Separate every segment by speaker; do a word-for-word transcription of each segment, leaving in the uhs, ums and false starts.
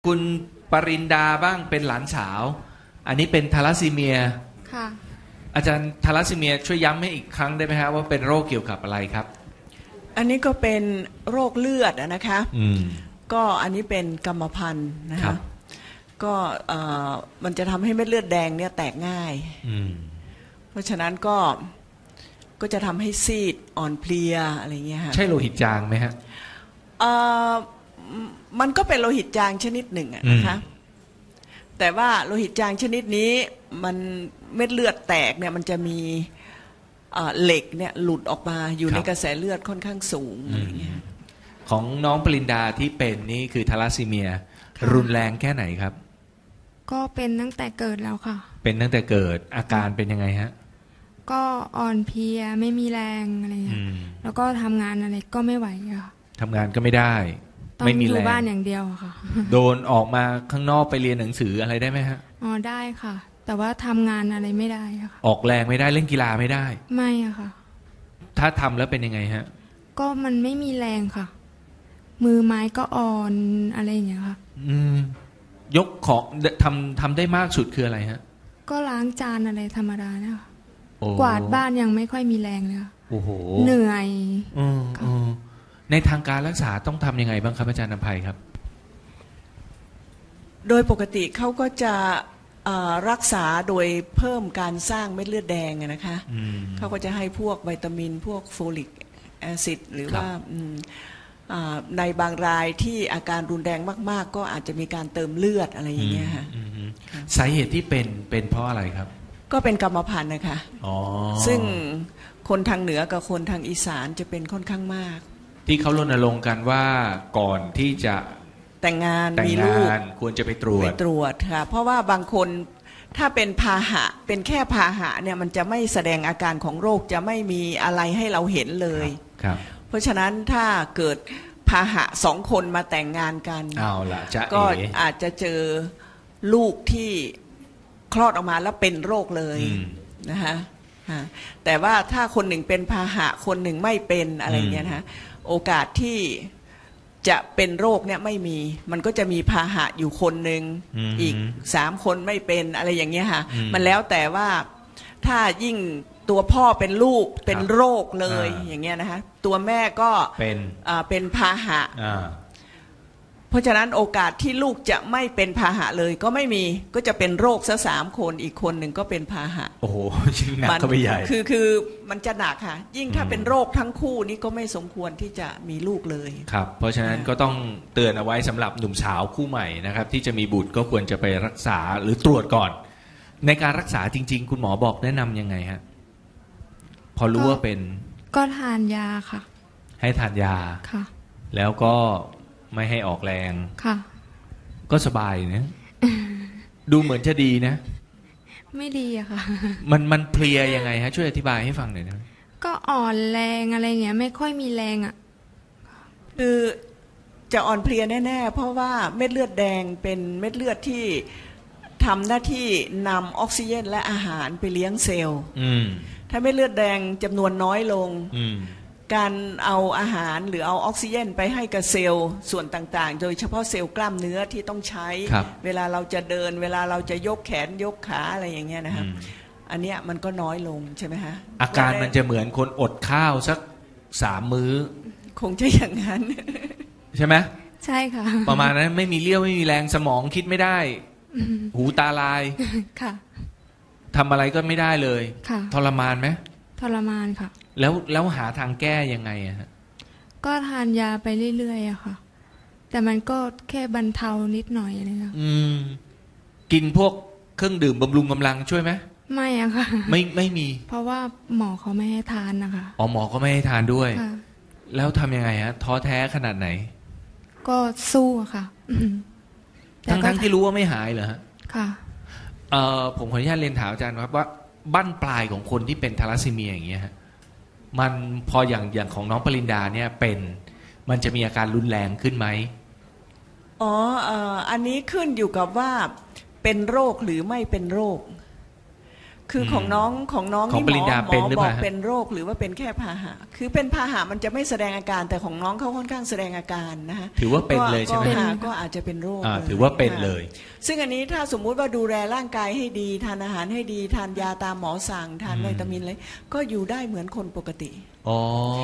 Speaker 1: คุณปรินดาบ้างเป็นหลานสาวอันนี้เป็นทาลัสซีเมีย
Speaker 2: ค่ะ
Speaker 1: อาจารย์ทาลัสซีเมียช่วยย้ำให้อีกครั้งได้ไหมฮะว่าเป็นโรคเกี่ยวกับอะไรครับ
Speaker 3: อันนี้ก็เป็นโรคเลือดนะคะ
Speaker 1: อืม
Speaker 3: ก็อันนี้เป็นกรรมพันธุ์นะคะก็มันจะทำให้เม็ดเลือดแดงเนี่ยแตกง่ายเพราะฉะนั้นก็ก็จะทำให้ซีดอ่อนเพลียอะไรเงี้ยค่ะ
Speaker 1: ใช่โลหิตจางไหมฮะ
Speaker 3: มันก็เป็นโลหิตจางชนิดหนึ่งนะคะแต่ว่าโลหิตจางชนิดนี้มันเม็ดเลือดแตกเนี่ยมันจะมีเหล็กเนี่ยหลุดออกมาอยู่ในกระแสเลือดค่อนข้างสูงอะไรเงี้ย
Speaker 1: ของน้องปรินดาที่เป็นนี่คือทาลัสซีเมียรุนแรงแค่ไหนครับ
Speaker 2: ก็เป็นตั้งแต่เกิดแล้วค่ะ
Speaker 1: เป็นตั้งแต่เกิดอาการเป็นยังไงฮะ
Speaker 2: ก็อ่อนเพลียไม่มีแรงอะไรเงี้ยแล้วก็ทำงานอะไรก็ไม่ไหวค่ะ
Speaker 1: ทำงานก็ไม่ได้
Speaker 2: ไม่มีแรงต้องอยู่บ้านอย่างเดียวค่ะ
Speaker 1: โดนออกมาข้างนอกไปเรียนหนังสืออะไรได้ไหมฮะ
Speaker 2: อ๋อได้ค่ะแต่ว่าทำงานอะไรไม่ได้ค่ะ
Speaker 1: ออกแรงไม่ได้เล่นกีฬาไม่ได้
Speaker 2: ไม่อะค่ะ
Speaker 1: ถ้าทำแล้วเป็นยังไงฮะ
Speaker 2: ก็มันไม่มีแรงค่ะมือไม้ก็อ่อนอะไรอย่างเงี้ยค่ะ
Speaker 1: อืมยกของทำทำได้มากสุดคืออะไรฮะ
Speaker 2: ก็ล้างจานอะไรธรรมดาเนี่ยค่ะกวาดบ้านยังไม่ค่อยมีแรงเลยค่ะ
Speaker 1: โอ้โห
Speaker 2: เหนื่อย
Speaker 1: อืมอืมในทางการรักษาต้องทำยังไงบ้างครับอาจารย์นภัยครับ
Speaker 3: โดยปกติเขาก็จะรักษาโดยเพิ่มการสร้างเม็ดเลือดแดงนะคะเขาก็จะให้พวกวิตามินพวกโฟลิกแอซิดหรือว่าในบางรายที่อาการรุนแรงมากๆก็อาจจะมีการเติมเลือดอะไรอย่างเงี้ยค่ะ
Speaker 1: สาเหตุที่เป็นเป็นเพราะอะไรครับ
Speaker 3: ก็เป็นกรรมพันธุ์นะคะซึ่งคนทางเหนือกับคนทางอีสานจะเป็นค่อนข้างมาก
Speaker 1: ที่เขารณรงค์กันว่าก่อนที่จะ
Speaker 3: แต่งงานมีลูก
Speaker 1: ควรจะไปตรวจ
Speaker 3: ไปตรวจค่ะเพราะว่าบางคนถ้าเป็นพาหะเป็นแค่พาหะเนี่ยมันจะไม่แสดงอาการของโรคจะไม่มีอะไรให้เราเห็นเลย
Speaker 1: ครับ
Speaker 3: เพราะฉะนั้นถ้าเกิดพาหะสองคนมาแต่งงานกัน
Speaker 1: เอาล่ะจะ
Speaker 3: ก็อาจจะเจอลูกที่คลอดออกมาแล้วเป็นโรคเลยนะคะแต่ว่าถ้าคนหนึ่งเป็นพาหะคนหนึ่งไม่เป็นอะไรเงี้ยนะคะโอกาสที่จะเป็นโรคเนี่ยไม่มีมันก็จะมีพาหะอยู่คนหนึ่งอีกสามคนไม่เป็นอะไรอย่างเงี้ยค่ะมันแล้วแต่ว่าถ้ายิ่งตัวพ่อเป็นลูกเป็นโรคเลยอย่างเงี้ยนะคะตัวแม่ก็
Speaker 1: เป็น
Speaker 3: เป็นพาหะเพราะฉะนั้นโอกาสที่ลูกจะไม่เป็นพาหะเลยก็ไม่มีก็จะเป็นโรคซะสามคนอีกคนหนึ่งก็เป็นพาหะ
Speaker 1: โอ้โหยิ่งหนักเข้าไปใหญ่
Speaker 3: คือคือมันจะหนักค่ะยิ่งถ้าเป็นโรคทั้งคู่นี่ก็ไม่สมควรที่จะมีลูกเลย
Speaker 1: ครับเพราะฉะนั้นก็ต้องเตือนเอาไว้สำหรับหนุ่มสาวคู่ใหม่นะครับที่จะมีบุตรก็ควรจะไปรักษาหรือตรวจก่อนในการรักษาจริงๆคุณหมอบอกแนะนำยังไงฮะพอรู้ว่าเป็น
Speaker 2: ก็ทานยาค่ะ
Speaker 1: ให้ทานยา
Speaker 2: ค่ะ
Speaker 1: แล้วก็ไม่ให้ออกแรง
Speaker 2: ค่ะ
Speaker 1: ก็สบายนะดูเหมือนจะดีนะ
Speaker 2: ไม่ดีอะค่ะ
Speaker 1: มันมันเพลียยังไงฮะช่วยอธิบายให้ฟังหน่อยนะ
Speaker 2: ก็อ่อนแรงอะไรเงี้ยไม่ค่อยมีแรงอะ
Speaker 3: คือจะอ่อนเพลียแน่ๆเพราะว่าเม็ดเลือดแดงเป็นเม็ดเลือดที่ทำหน้าที่นำออกซิเจนและอาหารไปเลี้ยงเซลล์ถ้าเม็ดเลือดแดงจำนวนน้อยลงการเอาอาหารหรือเอาออกซิเจนไปให้กับเซลล์ส่วนต่างๆโดยเฉพาะเซลล์กล้ามเนื้อที่ต้องใช้เวลาเราจะเดินเวลาเราจะยกแขนยกขาอะไรอย่างเงี้ยนะครับอันเนี้ยมันก็น้อยลงใช่ไหมฮะ
Speaker 1: อาการมันจะเหมือนคนอดข้าวสักสามมื้อ
Speaker 3: คงจะอย่างนั้น
Speaker 1: ใช่ไหม
Speaker 2: ใช่ค่ะ
Speaker 1: ประมาณนั้นไม่มีเลี้ยวไม่มีแรงสมองคิดไม่ได้หูตาลาย
Speaker 2: ค่ะ
Speaker 1: ทำอะไรก็ไม่ได้เลยทรมานไหม
Speaker 2: ทรมานค่ะ
Speaker 1: แล้วแล้วหาทางแก้ยังไงอะฮะ
Speaker 2: ก็ทานยาไปเรื่อยๆอะค่ะแต่มันก็แค่บรรเทานิดหน่อยเลยค่ะ
Speaker 1: อืมกินพวกเครื่องดื่มบำรุงกำลังช่วยไหม
Speaker 2: ไม่อะค่ะ
Speaker 1: ไม่ไม่มี
Speaker 2: เพราะว่าหมอเขาไม่ให้ทานนะคะ
Speaker 1: อ๋อหมอก็ไม่ให้ทานด้วยแล้วทำยังไงฮะท้อแท้ขนาดไหน
Speaker 2: ก็สู้ค่ะ
Speaker 1: ทั้งทั้งที่รู้ว่าไม่หายเหรอฮะ
Speaker 2: ค่ะ
Speaker 1: เอ่อผมขออนุญาตเรียนถามอาจารย์ครับว่าบั้นปลายของคนที่เป็นทาลัสซีเมียอย่างเงี้ยฮะมันพออย่างอย่างของน้องปรินดาเนี่ยเป็นมันจะมีอาการรุนแรงขึ้นไหม
Speaker 3: อ๋ออันนี้ขึ้นอยู่กับว่าเป็นโรคหรือไม่เป็นโรคคือของน้องของน้อง
Speaker 1: ของ
Speaker 3: นี่
Speaker 1: ป
Speaker 3: หม
Speaker 1: ริ
Speaker 3: อ
Speaker 1: ญญา
Speaker 3: หม
Speaker 1: เป็น
Speaker 3: อ
Speaker 1: หรือ
Speaker 3: บอก
Speaker 1: เปล่าฮะ
Speaker 3: เป็นโรคหรือว่าเป็นแค่พาหะคือเป็นพาหะมันจะไม่แสดงอาการแต่ของน้องเขาค่อนข้างแสดงอาการนะฮะ
Speaker 1: ถือว่าเป็นเลยใช่ไหม
Speaker 3: ก็
Speaker 1: ฮะ
Speaker 3: ก็ก็อาจจะเป็นโรค
Speaker 1: อ่า
Speaker 3: ลย
Speaker 1: ถือว่าเป็น
Speaker 3: ค่ะ
Speaker 1: เลย
Speaker 3: ซึ่งอันนี้ถ้าสมมุติว่าดูแลร่างกายให้ดีทานอาหารให้ดีทานยาตามหมอสั่งทาน
Speaker 1: อืม
Speaker 3: วิตามินอะไรก็อยู่ได้เหมือนคนปกติ
Speaker 1: อ๋อย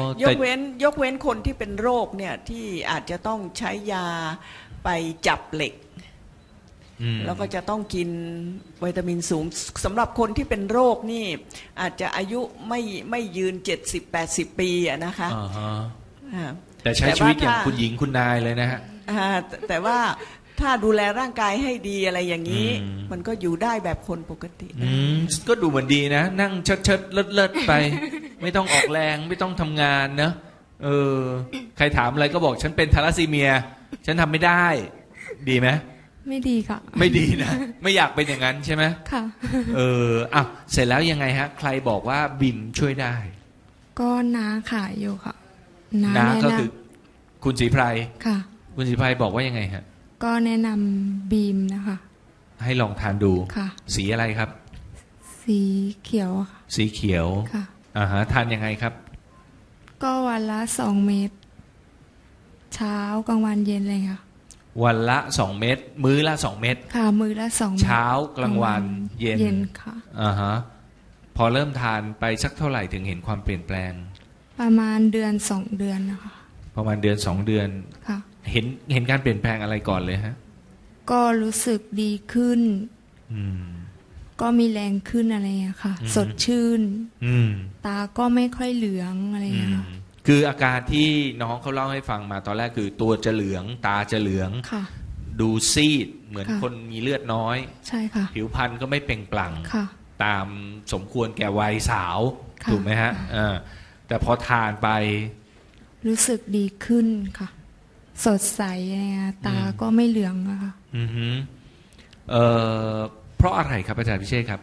Speaker 1: แต่
Speaker 3: กเว้นยกเว้นคนที่เป็นโรคเนี่ยที่อาจจะต้องใช้ยาไปจับเหล็ก
Speaker 1: อืม
Speaker 3: แล้วก็จะต้องกินวิตามินสูงสำหรับคนที่เป็นโรคนี่อาจจะอายุไม่ไม่ยืน เจ็ดสิบแปดสิบ ปีอะนะคะ
Speaker 1: อ่าฮะ
Speaker 3: อ่า
Speaker 1: แต่ใช้
Speaker 3: แต่
Speaker 1: ชีวิตอย่าง
Speaker 3: ว่าถ้า
Speaker 1: คุณหญิงคุณนายเลยนะฮะ
Speaker 3: อ่าแต่แต่ว่าถ้าดูแลร่างกายให้ดีอะไรอย่างนี้
Speaker 1: อืม
Speaker 3: มันก็อยู่ได้แบบคนปกติ
Speaker 1: อืมก็ดูเหมือนดีนะ นั่งเชิดเชิดเลิศเลิศไป ไม่ต้องออกแรงไม่ต้องทำงานเนอะเออ ใครถามอะไรก็บอกฉันเป็นทาลัสซีเมีย ฉันทำไม่ได้ ดีไหม
Speaker 2: ไม่ดีค่ะ
Speaker 1: ไม่ดีนะ ไม่อยากเป็นอย่างนั้นใช่ไหม
Speaker 2: ค่ะ
Speaker 1: เอออ่ะเสร็จแล้วยังไงฮะ ใครบอกว่าบิมช่วยได้
Speaker 2: ก็น้าขายอยู่ค่ะ
Speaker 1: นะ
Speaker 2: แนะ
Speaker 1: ก็
Speaker 2: น
Speaker 1: คือ คุณศรีไพร
Speaker 2: ำค่ะ
Speaker 1: คุณศรีไพรบอกว่ายังไงฮะ
Speaker 2: ก็แนะนำบีมนะคะ
Speaker 1: ให้ลองทานดู
Speaker 2: ค่ะ
Speaker 1: สีอะไรครับ
Speaker 2: สีเขียวอะค่ะ
Speaker 1: สีเขียว
Speaker 2: ค่ะ
Speaker 1: อ่าฮะทานยังไงครับ
Speaker 2: ก็วันละสองเม็ดเช้ากลางวันเย็นเลยค่ะ
Speaker 1: วันละสองเม็ดมื้อละสองเม็ด
Speaker 2: ค่ะมือละสองม็ด
Speaker 1: เช้ากลางวันเย็น
Speaker 2: เย็นค่ะ
Speaker 1: อ่าฮะพอเริ่มทานไปสักเท่าไหร่ถึงเห็นความเปลี่ยนแปลง
Speaker 2: ประมาณเดือนสองเดือนนะคะ
Speaker 1: ประมาณเดือนสองเดือน
Speaker 2: ค่ะ
Speaker 1: เห็นเห็นการเปลี่ยนแปลงอะไรก่อนเลยฮะ
Speaker 2: ก็รู้สึกดีขึ้น
Speaker 1: อืม
Speaker 2: ก็มีแรงขึ้นอะไรอย่างเงี้ยค่ะ
Speaker 1: อืม
Speaker 2: สดชื่น
Speaker 1: อืม
Speaker 2: ตาก็ไม่ค่อยเหลืองอะไรอย่าง
Speaker 1: อื
Speaker 2: เงี้ย
Speaker 1: ม
Speaker 2: ค่ะ
Speaker 1: คืออาการที่น้องเขาเล่าให้ฟังมาตอนแรกคือตัวจะเหลือง ตาจะเหลือง
Speaker 2: ค่ะ
Speaker 1: ดูซีดเหมือน
Speaker 2: ค่ะ
Speaker 1: คนมีเลือดน้อย
Speaker 2: ใช่ค่ะ
Speaker 1: ผิวพรรณก็ไม่เปล่งปลั่ง
Speaker 2: ค่ะ
Speaker 1: ตามสมควรแก่วัยสาว
Speaker 2: ค่ะ
Speaker 1: ถูกไหมฮะอ่าแต่พอทานไป
Speaker 2: รู้สึกดีขึ้นค่ะ สดใสอะไรเงี้ยตา
Speaker 1: อืม
Speaker 2: ก็ไม่เหลืองอะค่ะ
Speaker 1: อือฮึเอ่อเพราะอะไรครับอาจารย์พิเชษครับ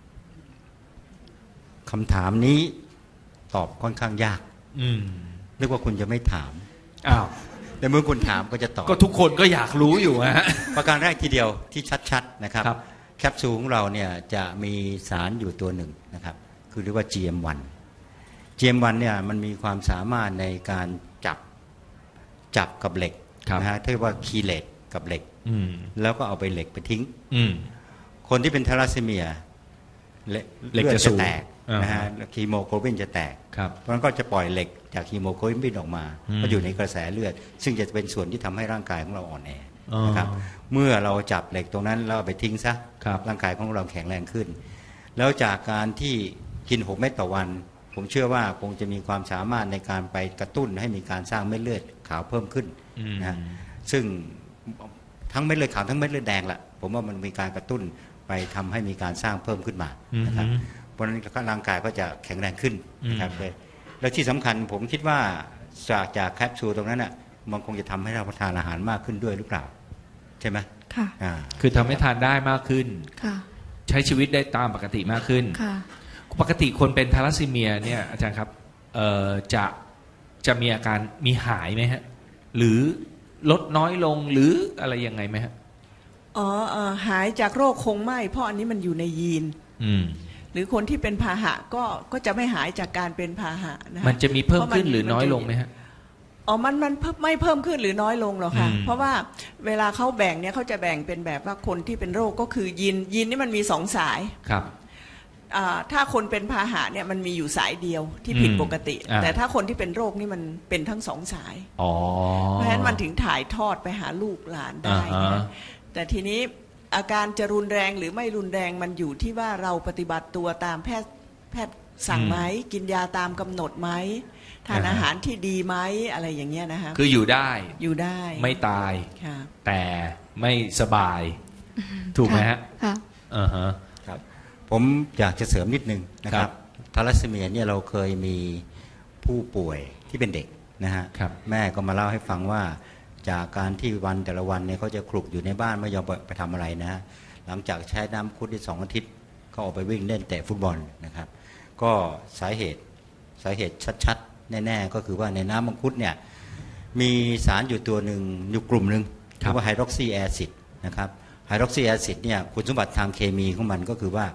Speaker 4: คำถามนี้ตอบค่อนข้างยาก
Speaker 1: อืม
Speaker 4: นึกว่าคุณจะไม่ถาม
Speaker 1: อ้าว
Speaker 4: แต่เมื่อคุณถามก็จะตอบ
Speaker 1: ก็ทุกคนก็อยากรู้อยู่ฮะ
Speaker 4: ประการแรกทีเดียวที่ชัดๆนะครับ
Speaker 1: ครับ
Speaker 4: แคปซูลของเราเนี่ยจะมีสารอยู่ตัวหนึ่งนะครับคือเรียกว่า จี เอ็ม วัน จี เอ็ม วัน เนี่ยมันมีความสามารถในการจับจับกับเหล็ก
Speaker 1: ครับ
Speaker 4: นะฮะเรียกว่าคีเลตกับเหล็ก
Speaker 1: อืม
Speaker 4: แล้วก็เอาไปเหล็กไปทิ้ง
Speaker 1: อืม
Speaker 4: คนที่เป็นทาลัสซีเมียเลือด
Speaker 1: เหล็กจะ
Speaker 4: จะ
Speaker 1: สูง
Speaker 4: แตก
Speaker 1: อ่าฮะ
Speaker 4: นะฮะฮีโมโกลบินจะแตก
Speaker 1: ครับ
Speaker 4: เพราะฉะนั้นก็จะปล่อยเหล็กจากฮีโมโกลบินออกมา
Speaker 1: อืม
Speaker 4: ก็อยู่ในกระแสเลือด ซึ่งจะเป็นส่วนที่ทำให้ร่างกายของเราอ่อนแอ
Speaker 1: อ๋อ
Speaker 4: นะครับเมื่อเราจับเหล็กตรงนั้นแล้วเอาไปทิ้งซะ
Speaker 1: ครับ
Speaker 4: ร่างกายของเราแข็งแรงขึ้น แล้วจากการที่กินหกเม็ดต่อวัน ผมเชื่อว่าคงจะมีความสามารถในการไปกระตุ้นให้มีการสร้างเม็ดเลือดขาวเพิ่มขึ้น
Speaker 1: อืม
Speaker 4: นะซึ่งทั้งเม็ดเลือดขาวทั้งเม็ดเลือดแดงละผมว่ามันมีการกระตุ้นไปทำให้มีการสร้างเพิ่มขึ้นมานะครับ
Speaker 1: อืม
Speaker 4: เพราะฉะนั้นร่างกายก็จะแข็งแรงขึ้นนะครับ
Speaker 1: อืม
Speaker 4: เลยแล้วที่สำคัญผมคิดว่าจากจากแคปซูลตรงนั้นอ่ะมันคงจะทำให้เราทานอาหารมากขึ้นด้วยหรือเปล่า ใช่ไหม
Speaker 2: ค่ะ
Speaker 4: อ่า
Speaker 1: คือทำให้ทานได้มากขึ้น
Speaker 2: ค่ะ
Speaker 1: ใช้ชีวิตได้ตามปกติมากขึ้น
Speaker 2: ค่ะ
Speaker 1: ปกติคนเป็นทาลัสซีเมียเนี่ยอาจารย์ครับเอ่อจะจะมีอาการมีหายไหมฮะ หรือลดน้อยลงหรืออะไรยังไงไหมฮะ
Speaker 3: อ๋อเอ่อหายจากโรคคงไม่เพราะอันนี้มันอยู่ในยีน
Speaker 1: อืม
Speaker 3: หรือคนที่เป็นพาหะก็ก็จะไม่หายจากการเป็นพาหะนะค
Speaker 1: มันจะมีเพิ่มขึ้น
Speaker 3: พราะ
Speaker 1: หรือน้อยลงไหมฮะ
Speaker 3: อ๋อมันมันเพิ่มไม่เพิ่มขึ้นหรือน้อยลงหรอกค่ะ
Speaker 1: อืม
Speaker 3: เพราะว่าเวลาเขาแบ่งเนี่ยเขาจะแบ่งเป็นแบบว่าคนที่เป็นโรคก็คือยีนยีนนี่มันมีสองสาย
Speaker 1: ครับ
Speaker 3: อ่าถ้าคนเป็นพาหะเนี่ยมันมีอยู่สายเดียวที่ผิด
Speaker 1: อืม
Speaker 3: ปกติ
Speaker 1: อ่า
Speaker 3: แต่ถ้าคนที่เป็นโรคนี่มันเป็นทั้งสองสาย
Speaker 1: อ๋อ
Speaker 3: เพราะฉะนั้นมันถึงถ่ายทอดไปหาลูกหลานได้
Speaker 1: อ่าฮะ
Speaker 3: นะแต่ทีนี้อาการจะรุนแรงหรือไม่รุนแรงมันอยู่ที่ว่าเราปฏิบัติตัวตามแพทย์แพทย์สั่งไหมกินยาตามกำหนดไหมทานอาหารที่ดีไหมอะไรอย่างเงี้ยนะคะ
Speaker 1: คืออยู่ได้
Speaker 3: อยู่ได้
Speaker 1: ไม่ตาย
Speaker 3: ค่ะ
Speaker 1: แต่ไม่สบาย ถูกไหมฮะ
Speaker 2: ค่ะ
Speaker 1: อ่าฮะ
Speaker 4: ครับผมอยากจะเสริมนิดนึงนะค
Speaker 1: ครั
Speaker 4: รับบ ทาลัสซีเมียเนี่ยเราเคยมีผู้ป่วยที่เป็นเด็กนะฮะ
Speaker 1: ครับ
Speaker 4: แม่ก็มาเล่าให้ฟังว่าจากการที่วันแต่ละวันเนี่ยเขาจะคลุกอยู่ในบ้านไม่ยอมไปทำอะไรนะฮะหลังจากใช้น้ำคุดได้สองอาทิตย์ก็ออกไปวิ่งเล่นเตะฟุตบอลนะครับ ก็สาเหตุสาเหตุชัดๆ แน่ๆ ก็คือว่าในน้ำมังคุดเนี่ยมีสารอยู่ตัวหนึ่งอยู่กลุ่มหนึ่ง
Speaker 1: ครับ
Speaker 4: เรียกว่าไฮดรอกซีแอซิดนะครับไฮดรอกซีแอซิดเนี่ยคุณสมบัติทางเคมีของมันก็คือว่า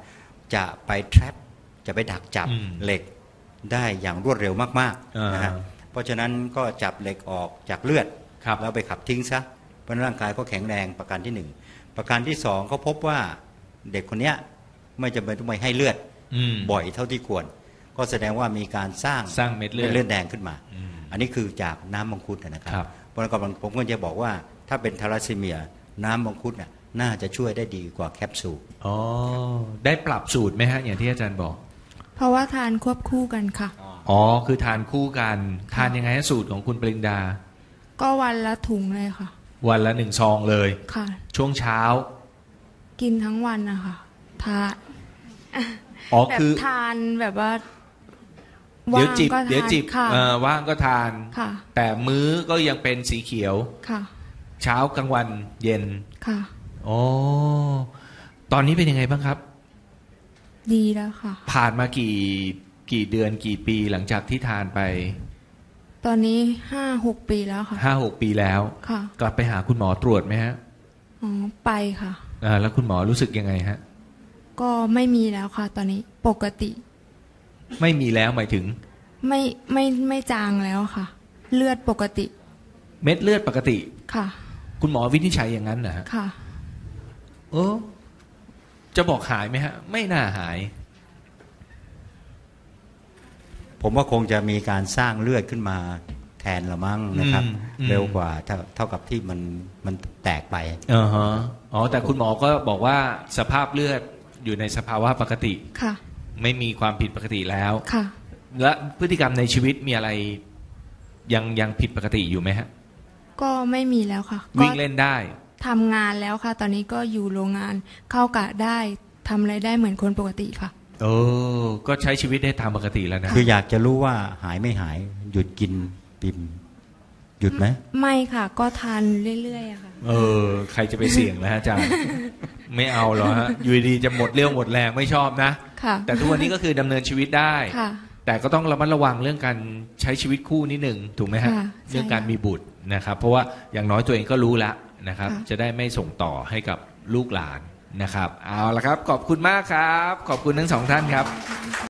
Speaker 4: จะไป trap จะไปดักจับ
Speaker 1: อืม
Speaker 4: เหล็กได้อย่างรวดเร็วมาก
Speaker 1: อ่า
Speaker 4: ๆนะฮะเพราะฉะนั้นก็จับเหล็กออกจากเลือด
Speaker 1: ครับ
Speaker 4: แล้วไปขับทิ้งซะเพราะร่างกายก็แข็งแรงประการที่หนึ่งประการที่สองเขาพบว่าเด็กคนเนี้ยไม่จำเป็นต้องไปให้เลือด
Speaker 1: อืม
Speaker 4: บ่อยเท่าที่ควร ก็แสดงว่ามีการสร้าง
Speaker 1: สร้างเม็ดเลือด
Speaker 4: เลือดแดงขึ้นมา
Speaker 1: อืม
Speaker 4: อันนี้คือจากน้ำมังคุดนะครับ
Speaker 1: ครับ
Speaker 4: เพราะฉะนั้นผมก็จะบอกว่าถ้าเป็นทาลัสซีเมียน้ำมังคุดน่ะน่าจะช่วยได้ดีกว่าแคปซูล
Speaker 1: อ๋อได้ปรับสูตรไหมฮะอย่างที่อาจารย์บอก
Speaker 2: เพราะว่าทานควบคู่กันค่ะ
Speaker 1: อ๋อคือทานคู่กันทานยังไงฮะสูตรของคุณปริงดา
Speaker 2: ก็วันละถุงเลยค่ะ
Speaker 1: วันละหนึ่งซองเลย
Speaker 2: ค่ะ
Speaker 1: ช่วงเช้า
Speaker 2: กินทั้งวันนะคะทาน
Speaker 1: อ๋อ
Speaker 2: แบบ
Speaker 1: คือ
Speaker 2: ทานแบบว่า
Speaker 1: เดี๋ยว
Speaker 2: ว่าง
Speaker 1: จิบ
Speaker 2: ก็
Speaker 1: เดี๋ยว
Speaker 2: ทาน
Speaker 1: จิบ
Speaker 2: ค่ะ
Speaker 1: เอ่อว่างก็ทาน
Speaker 2: ค่ะ
Speaker 1: แต่มื้อก็ยังเป็นสีเขียว
Speaker 2: ค่ะ
Speaker 1: เช้ากลางวันเย็น
Speaker 2: ค่ะ
Speaker 1: อ๋อตอนนี้เป็นยังไงบ้างครับ
Speaker 2: ดีแล้วค่ะ
Speaker 1: ผ่านมากี่กี่เดือนกี่ปีหลังจากที่ทานไป
Speaker 2: ตอนนี้ห้าหกปีแล้วค่ะ
Speaker 1: ห้าหกปีแล้ว
Speaker 2: ค่ะ
Speaker 1: กลับไปหาคุณหมอตรวจไหมฮะ
Speaker 2: อ๋อไปค่ะ
Speaker 1: อ่าแล้วคุณหมอรู้สึกยังไงฮะ
Speaker 2: ก็ไม่มีแล้วค่ะ ตอนนี้ปกติ
Speaker 1: ไม่มีแล้วหมายถึง
Speaker 2: ไม่ไม่ไม่จางแล้วค่ะ เลือดปกติ
Speaker 1: เม็ดเลือดปกติ
Speaker 2: ค่ะ
Speaker 1: คุณหมอวินิจฉัยอย่างนั้นนะฮะ
Speaker 2: ค่ะ
Speaker 1: เออจะบอกหายไหมฮะ ไม่น่าหาย
Speaker 4: ผมว่าคงจะมีการสร้างเลือดขึ้นมาแทนละมั้งนะครับ
Speaker 1: อืมอืม
Speaker 4: เร็วกว่าเท่าเท่ากับที่มันมันแตกไป
Speaker 1: อ่าฮะอ๋อแต่คุณหมอก็บอกว่าสภาพเลือดอยู่ในสภาวะปกติ
Speaker 2: ค่ะ
Speaker 1: ไม่มีความผิดปกติแล้ว
Speaker 2: ค่ะ
Speaker 1: และพฤติกรรมในชีวิตมีอะไรยังยังผิดปกติอยู่ไหมฮะ
Speaker 2: ก็ไม่มีแล้วค่ะ
Speaker 1: วิ่ง
Speaker 2: ก็
Speaker 1: เล่นได้
Speaker 2: ทำงานแล้วค่ะ ตอนนี้ก็อยู่โรงงานเข้ากะได้ทำอะไรได้เหมือนคนปกติค่ะ
Speaker 1: เออ ก็ใช้ชีวิตได้ตามปกติแล้วนะ
Speaker 4: คืออยากจะรู้ว่าหายไม่หายหยุดกินปิมหยุดไหม
Speaker 2: ไม่ค่ะ ก็ทานเรื่อยๆอะค่ะ
Speaker 1: เออ ใครจะไปเสี่ยงนะฮะอาจารย์ ไม่เอาหรอฮะ อยู่ดีๆจะหมดเรี่ยวหมดแรงไม่ชอบนะ
Speaker 2: ค่ะ
Speaker 1: แต่ทุกวันนี้ก็คือดำเนินชีวิตได้
Speaker 2: ค่ะ
Speaker 1: แต่ก็ต้องระมัดระวังเรื่องการใช้ชีวิตคู่นิดหนึ่งถูกไหมฮะ
Speaker 2: ค่ะใช่
Speaker 1: เรื่องการมีบุตรนะครับ เพราะว่าอย่างน้อยตัวเองก็รู้ละนะครับ
Speaker 2: ค่ะ
Speaker 1: จะได้ไม่ส่งต่อให้กับลูกหลานนะครับ เอาละครับ ขอบคุณมากครับ ขอบคุณทั้งสองท่านครับ